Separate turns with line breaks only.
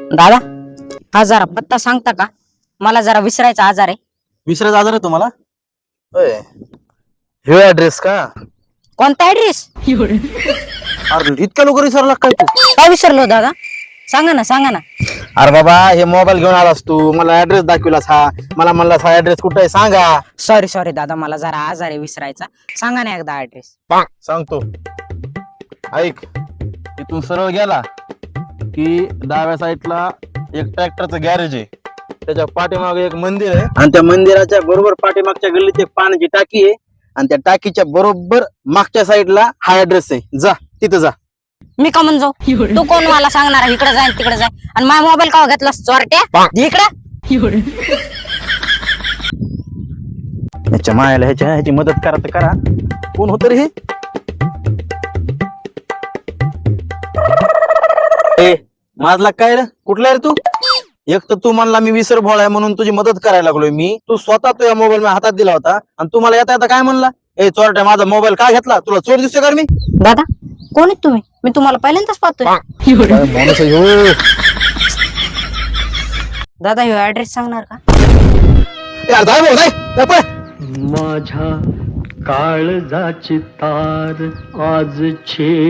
दादा हा जरा पत्ता सांगता का? मला जरा विसरायचा आजार आहे.
विसरायचा आजार आहे तुम्हाला? होय, हे ऍड्रेस का?
कोणता ऍड्रेस?
अरे इतक्या लवकर विसरला काय तू?
काय विसरलो दादा? सांगा ना सांगा ना.
अरे बाबा, हे मोबाईल घेऊन आलास तू, मला ऍड्रेस दाखविलास हा, मला म्हणलास हा ऍड्रेस कुठे आहे सांगा.
सॉरी सॉरी दादा, मला जरा आजार आहे विसरायचा. सांगा ना एकदा ऍड्रेस.
सांगतो, ऐक. इथून सरळ गेला की डाव्या साईडला एक ट्रॅक्टरचं गॅरेज आहे, त्याच्या पाठीमागे एक मंदिर आहे, आणि त्या मंदिराच्या बरोबर पाठीमागच्या गल्लीत एक पाण्याची टाकी आहे, आणि त्या टाकीच्या बरोबर मागच्या साईडला हा ऍड्रेस आहे. जा तिथं जा.
मी का म्हणतो तू कोण मला सांगणार इकडे जाय तिकडे जाय, आणि माझा मोबाईल का घेतला चोरट्या इकडे?
ह्याच्या मायाला ह्याची मदत करा तर करा. कोण होत रे हे? ए माझला काय रे, कुठला रे तू? एक तर तू म्हणला मी विसर भोळा आहे म्हणून तुझी मदत करायला लागलोय मी. तू स्वतः तुझ्या मोबाईल माझ्या हातात दिला होता, आणि तू मला येता येता काय म्हणला, ए चोरट्या माझा मोबाईल का घेतला? तुला चोर दिसतोय का मी?
दादा कोण आहेत तुम्ही? मी तुम्हाला पहिल्यांदाच पाहतोय.
माणूस आहे ह्यो.
दादा ह्यो ऍड्रेस सांगणार का?
यार जाय भाऊ, जाय पळ.
माझ्या काळजाची तार आज छे